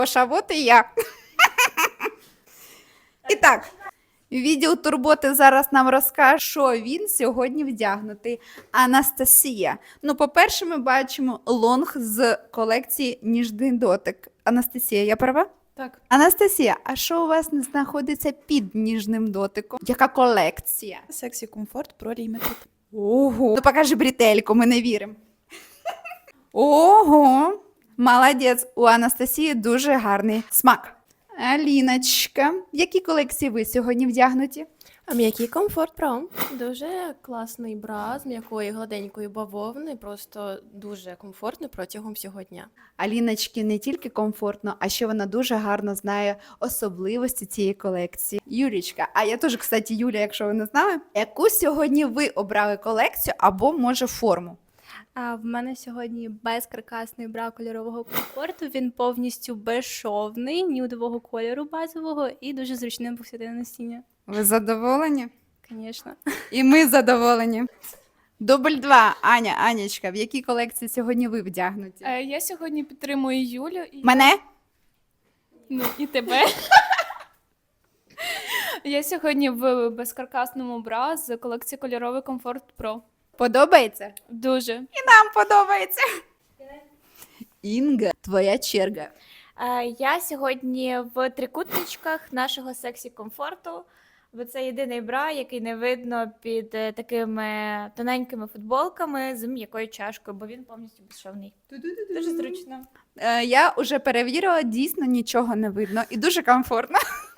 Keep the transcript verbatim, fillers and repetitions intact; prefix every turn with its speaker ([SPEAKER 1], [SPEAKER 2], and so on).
[SPEAKER 1] Гоша, вот і я. І так, відділ турботи зараз нам розкаже, що він сьогодні вдягнутий. Анастасія. Ну, по-перше, ми бачимо лонг з колекції «Ніжний дотик». Анастасія, я права?
[SPEAKER 2] Так.
[SPEAKER 1] Анастасія, а що у вас не знаходиться під ніжним дотиком? Яка колекція?
[SPEAKER 2] Сексі комфорт про Limited.
[SPEAKER 1] Ого. Ну покажи бретельку, ми не віримо. Ого. Молодець. У Анастасії дуже гарний смак. Аліночка, в які колекції ви сьогодні вдягнуті?
[SPEAKER 3] А м'який комфорт про дуже класний бра з м'якої гладенької бавовни, просто дуже комфортно протягом всього дня.
[SPEAKER 1] Аліночки не тільки комфортно, а ще вона дуже гарно знає особливості цієї колекції. Юлічка, а я теж, кстати, Юля, якщо ви не знали, яку сьогодні ви обрали колекцію або, може, форму?
[SPEAKER 4] А в мене сьогодні безкаркасний бра кольорового комфорту. Він повністю безшовний, нюдового кольору базового і дуже зручним повсякденне носіння.
[SPEAKER 1] Ви задоволені?
[SPEAKER 4] Звісно.
[SPEAKER 1] І ми задоволені. Дубль два. Аня, Анечка, в якій колекції сьогодні ви вдягнуті?
[SPEAKER 2] Е, я сьогодні підтримую Юлю і
[SPEAKER 1] Мене?
[SPEAKER 2] ну і тебе. Я сьогодні в безкаркасному бра з колекції кольоровий комфорт Pro.
[SPEAKER 1] Подобається?
[SPEAKER 2] Дуже.
[SPEAKER 1] Нам подобається. Інга, твоя черга.
[SPEAKER 5] Е, Я сьогодні в трикутничках нашого сексі комфорту, бо це єдиний бра, який не видно під е, такими тоненькими футболками з м'якою чашкою, бо він повністю безшовний. Дуже зручно.
[SPEAKER 1] Е, я вже перевірила, дійсно нічого не видно і дуже комфортно.